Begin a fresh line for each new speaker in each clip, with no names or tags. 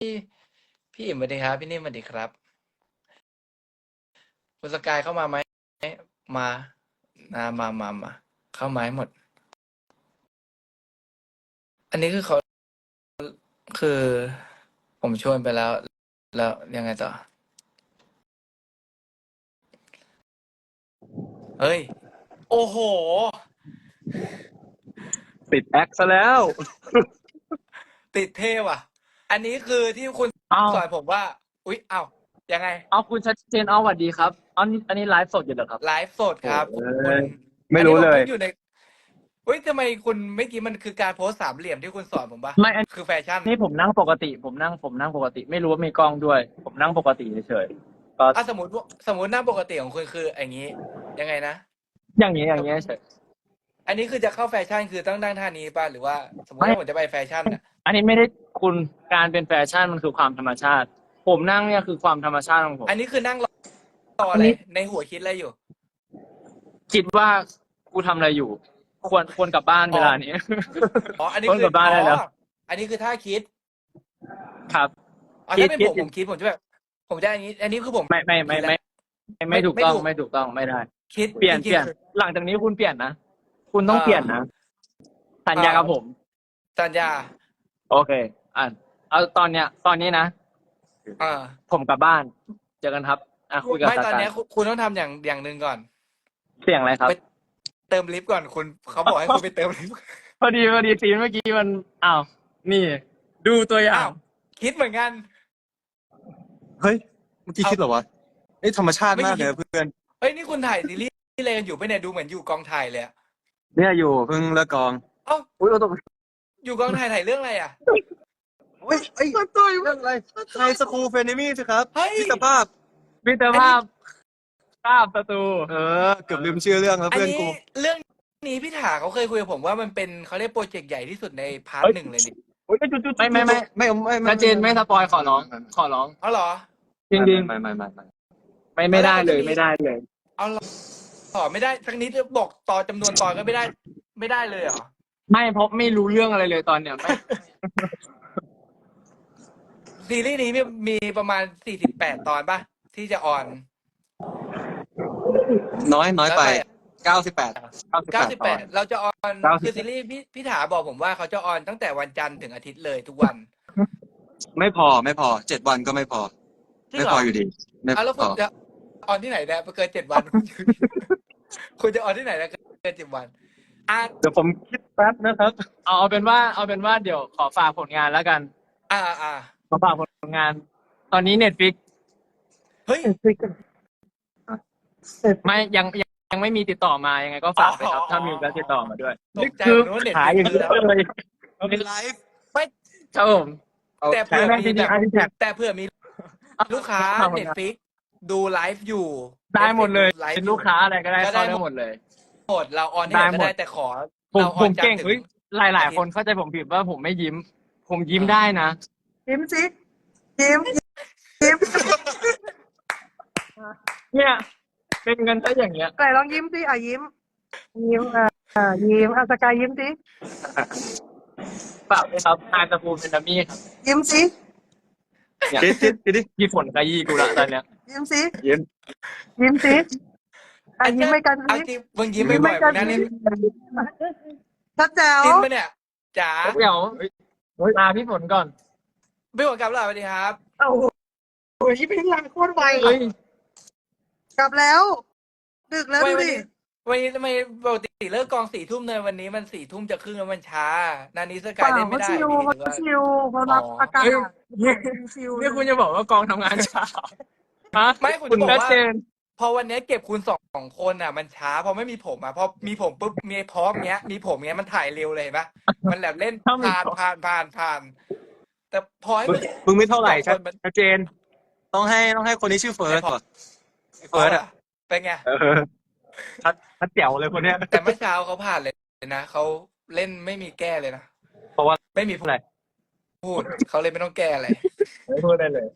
พี่อิ่มสวัสดีครับพี่นิ่มสวัสดีครับคุณสกายเข้ามาไหมมามาเข้ามาให้หมดอันนี้คือเขาคือผมชวนไปแล้วยังไงต่อเฮ้ยโอ้โห
ติดแอคซะแล้ว
ติดเท่ว่ะอันนี้คือที่คุณ
เอา
สอนผมว่าอุ๊ยเอ้ายังไง
เอาคุณชัดเจนเอาสวัสดีครับอันนี้ไลฟ์สดอยู่เหรอครับ
ไลฟ์สด
โอ้
ครับคุณ
ยไม่
อันนี้
รู้เลย
ผมเพิ่งอยู่ในเฮ้ยทำไมคุณเมื่อกี้มันคือการโพสต์สามเหลี่ยมที่คุณสอนผมปะ
ไม่อัน
คือแฟชั่น
นี้ผมนั่งปกติผมนั่งปกติไม่รู้ว่ามีกล้องด้วยผมนั่งปกติเฉยๆก็
อ่ะสมมติหน้าปกติของคุณคืออย่างนี้ยังไงนะ
อย่างนี้เฉย
อันนี้คือจะเข้าแฟชั่นคือต้องนั่งท่านี้ป่ะหรือว่าสมมติ
ไม่
ว่าผมจะไปแฟชั่นอ่ะ
อันนี้ไม่ได้คุณการเป็นแฟชั่นมันคือความธรรมชาติผมนั่งเนี่ยคือความธรรมชาติของผม
อันนี้คือนั่งรอ
อันนี้
อะไรในหัวคิดอะไรอยู่
คิดว่ากูทำอะไรอยู่ควรกลับบ้าน
อ๋อ
เวลานี้
อ๋ออัน
ควร
นี้คือ
กลับบ้านได้แล้ว
อันนี้คือท่าคิด
ครับ
อ๋อ
คิ
ถ้าเป็น
ดคิด
ผมคิดผมจะแบบผมจะอันนี้คือผม
ไม่ไม่
คิดแล้ว
ไม่ไม่ไม่ถูก
ไม่ถูก
ต้องไม่ถูกต้องไม่ได้
คิด
เปลี่ยนเปลี่ยน
จริงๆคือ
หลังจากนี้คุณเปลี่ยนนะคุณต้
เอ่
องเปลี่ยน
อ
นะสัญ
เอ่อ
ญากับผม
สัญญา
โอเคอ่ะเอาตอนนี้นะ
เอ่อ
ผมกลับบ้านเจอกันครับคุยกับ
ไม่ตอน
สกาย
เนี้ยคุณต้องทำอย่างหนึ่งก่อน
เสียงอะไรครับ
ไปเติมลิฟต์ก่อนคุณเขาบอกให้คุณไปเติมลิฟต์
พอดีซีนเมื่อกี้มันอ้าวนี่ดูตัวอย่าง
อ้าวคิดเหมือนกัน
เฮ้ยเมื่อกี้
เอา
คิดเหรอวะเอ้ยธรรมชาติ
ไม่คิด
มากเลยนะเพื่อน
เฮ้ยนี่คุณถ่ายซีรีส์อะไรกันอยู่ปะเนี่ยดูเหมือนอยู่กองถ่ายเลยอะ
เนี่ยอยู่เพิ่งเลิกกอง
เอ้า
อุ้ยเราต้อง
อยู่กองถ่ายเรื่องอะไรอะ
เฮ้ยเอ้ยเรื่องอะไรไฮสคูลเฟนิมี่สิครับ
เฮ้ย
มิตรภาพ
มิตร
อันนี้
ภาพภาพศัตรู
เกือบลืมชื่อเรื่องแล้ว
อันนี้
เพื่อนกู
เรื่องนี้พี่ถาเขาเคยคุยกับผมว่ามันเป็นเขาเรียกโปรเจกต์ใหญ่ที่สุดในพาร์ท
เฮ้ย
หนึ่งเลยนี่
โอ้ยจุด
ไม่ชัดเจนไม่สปอยขอร้อง
เอาเหรอ
จริงๆไม่ได้เลยไม่ได้เลย
เอาเหรอต่อไม่ได้สักนิดบอกต่อจำนวนตอนก็ไม่ได้เลยเหรอ
ไม่เพราะไม่รู้เรื่องอะไรเลยตอนเนี้ยไม่
ซีรีส์นี้มีประมาณ48ตอนปะที่จะออน
น้อย
แล้ว
ไป
ไป
98ตอน
98เราจะออนคือซีรีส์พี่ถาบอกผมว่าเขาจะออนตั้งแต่วันจันทร์ถึงอาทิตย์เลยทุกวัน
ไม่พอ7 วันก็ไม่พอ
จริงเหรอ
ไม่พออยู่ดีไม่
แล้ว
พอ
คุณจะออนที่ไหนเนี่ยเกิน7 วันคุณจะออนที่ไหนนะเกิน7 วันอ่ะ
เดี๋ยวผมคิดแป๊บนะครับ
เอาเป็นว่าเดี๋ยวขอฝากผลงานแล้วกัน
อ่า
ขอฝากผลงาน ตอนนี้เน็ตฟิก
เฮ้ย
ไม่ยังไม่มีติดต่อมายังไงก็ฝากไปครับถ้ามีก็ติดต่อมาด้วย
ตกใจ
คือ
ผมนึกว่าเน็ต
ขาย
ฟิก
อย่างเดียวเลย
เป็นไลฟ์
ไม่
ครับผม
แต่เผื่อมีแบบ
จริงๆ
แต่เผื่อมีลูกค้าเน็ตฟิกดูไลฟ์อยู่
ได้หมดเลย
ไลฟ์
เป็น
อยู่
ลูกค้าอะไรก็ได้
ก็
เข้า
ได้
ได้หมดเลย
หมดเราออนที่ไหนก็
ได้หม
ได้
ด
แต่ขอ
ผม
เราอ
ผ
อน
ม
จัน
เก่
ท
ง
ร์ถึง
เฮ้ยหลายคนเข้าใจผมผิดว่าผมไม่ยิ้ม ผมยิ้มได้นะ
ยิ้มสิยิ้มยิ้ม
เนี่ยเป็นกันซะอย่างเงี้ย
ไหนลองยิ้มสิยิ้มยิ้มยิ้มสกายยิ้มสิ
ฝากด้วยครับนายตะปูเป็นดัมมี่ครับ
ยิ้มสิ
เนี่ย
คิดดิ
พี่ฝนขยี้กูละตอนเนี้ย
ยิ้มสิ
ยิ้ม
ยิ้มสิยิ้มไม่กัน
เอา
สิ
จริงมึงยิ้ม
ยิ้ม
บ่
ไม่
อยๆ
กั
มึ
น
งนั่น
สิ
นี่
ชัดแจ๋ว
จริงปะเนี่ยจ๋า
เดี๋ยวลาพี่ฝนก่อน
พี่หัวกลับแล้วสวัสดีครับ
โอ้โหยิ้มเป็นลางโคตรไว
เฮ้ย
กลับแล้ว ดึกแล้วดูดิ
วันนี้ทำไมปกติเลิกกอง4 ทุ่มเลยวันนี้มัน4 ทุ่มจะครึ่งแล้วมันช้านานี้ส
เป
กาย
ล่า
เล่น
เขา
ไม่ได้
ชิว
พี่ห
เขา
รือว่า
ชิวเขารับอากาศ
เฮ้ย
ชิว
นี่คุณจะบอกว่ากองทำงานช้าฮะ
ไม่คุณ
คุ
จะ
ณ
บอก
ชัด
ว่า
เจน
พอวันนี้เก็บคุณสองคนอ่ะ มันช้าพอไม่มีผมอ่ะพอมีผมปุ๊บมีพร้อมเงี้ยมีผมเงี้ยมันถ่ายเร็วเลยเห็นปะมันแบบเล่น
ถ้ามี
ผ่านแต่พอให้
มึงไม่เท่าไหร่
สองคนมัน
ชัดเจน ต้องให้คนนี้ชื่อเฟิร์สก่อนเฟิร์สอ่ะ
เป็นไง
ชัดแจ๋วเลยคนเนี้ย
แต่เมื่อเช้าเขาผ่านเลยนะเขาเล่นไม่มีแก้เลยนะ
เพราะว่า
ไม่มี
อะไร
พูดเขาเลยไม่ต้องแก้อะไร
ไม่พูดได้เลย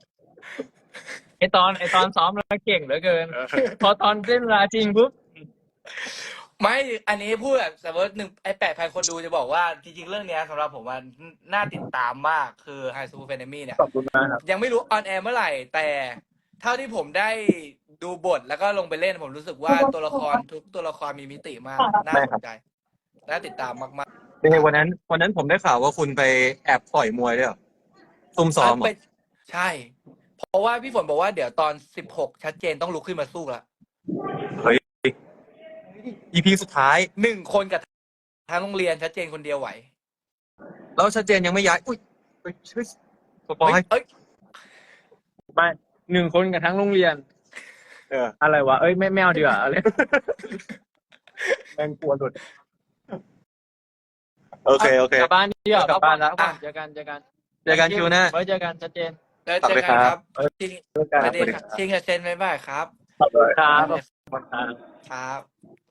ไอตอนซ้อมแล้วเก่งเหลือเกิน พอตอนเล่นเวลาจริงปุ๊บ
ไม่ อันนี้พูดแบบสมมติ8,000 คนดูจะบอกว่าจริงๆเรื่องเนี้ยสำหรับผมว่าน่าติดตามมากคือ High School Academy เนี่ย
ขอบคุณมากครับ
ยังไม่รู้ออนแอร์เมื่อไหร่ แต่เท่าที่ผมได้ดูบทแล้วก็ลงไปเล่นผมรู้สึกว่าตัวละครทุกตัวละครมีมิติมากน่าสนใจน่าติดตามมาก
เป็นไงวันนั้นผมได้ข่าวว่าคุณไปแอบต่อยมวยด้วยเหรอซุ่ม
ๆ
ซ้อมเหร
ไป
อ
ใช่ เพราะว่าพี่ฝนบอกว่าเดี๋ยวตอน16ชัดเจนต้องลุกขึ้นมาสู้ละ
เฮ้ย EP สุดท้าย
1 คนกับทั้งโรงเรียนชัดเจนคนเดียวไหว
แล้วชัดเจนยังไม่ย้าย อุ้ยเฮ้ยเฮ้ยสปอย
เอ้ย
ไม่1 คนกับทั้งโรงเรียน
เออ
อะไรวะ เอ้ยไม่เอาดีกว่าอะไร แม่งกลัวหลุด
โอเค
กลับบ้านดีกว่าก
ลับบ้านแล้ว
เจอกัน
เจอกันคิวหน้า
ไว้เจอกันชัดเจน
แล้วเจอกันครับ
เอ้ย
จริง
เจอกัน
ประเด็นครับจริงกับเซนบ๊ายบายครับ
ครับ
ครับ